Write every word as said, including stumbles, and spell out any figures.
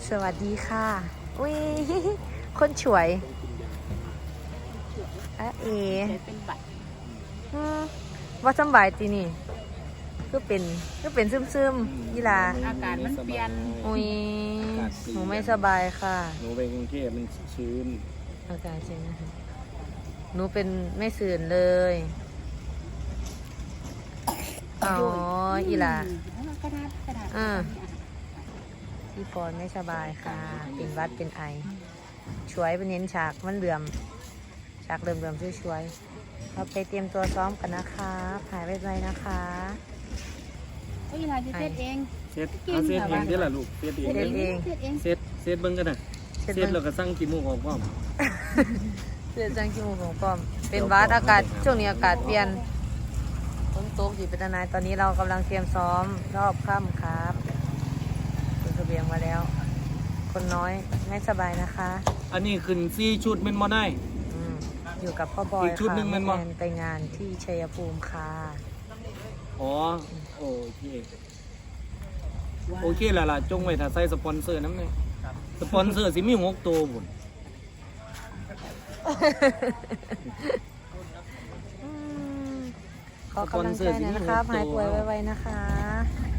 สวัสดีค่ะอุ้ยคนสวยอะเอเป็นบัตรอืมว่าสำบายตีนี่ก็เป็นก็เป็นซึมซึมยี่ลาอากาศมันเปลี่ยนอุ้ยหนูไม่สบายค่ะหนูไปกรุงเทพมันชื้นอากาศจริงนะคะหนูเป็นไม่สื่นเลย อ๋ออีลากระดาษกระดาษอ่าพี่ปอนไม่สบายค่ะ เป็นวัดเป็นไอ ช่วยไปเน้นฉากมันเหลื่อม ฉากเหลื่อมเหลื่อมช่วยๆเราไปเตรียมตัวซ้อมกันนะคะหายไปไวนะคะโอ้ยลาจะเซตเองเซตเอาเซตเองได้ล่ะลูกเซตเองเซตเองเซตเซตเบิ้งกันนะเซตเราก็สั่งกี่โมงออกพร้อมเสื้อจังคิวของป้อม เป็นวัดอากาศช่วงนี้อากาศเปลี่ยนฝนตกอยู่เป็นนายตอนนี้เรากำลังเตรียมซ้อมรอบค่ำครับเป็นเสบียงมาแล้ว คนน้อยไม่สบายนะคะอันนี้ขึ้นซี่ชุดเป็นมอได้อืมอยู่กับพ่อบอยอีกชุดค่ะหนึ่งมันบ่แมนไปงานที่ชัยภูมิค่ะอ๋อโอเคโอเคแล้วล่ะจงไว้ถ้าใส่สปอนเซอร์น้ำเนี่ยสปอนเซอร์สิมีหกตัวบุญอืมขอกำลังใจหน่อยนะครับหายป่วยไวๆนะคะ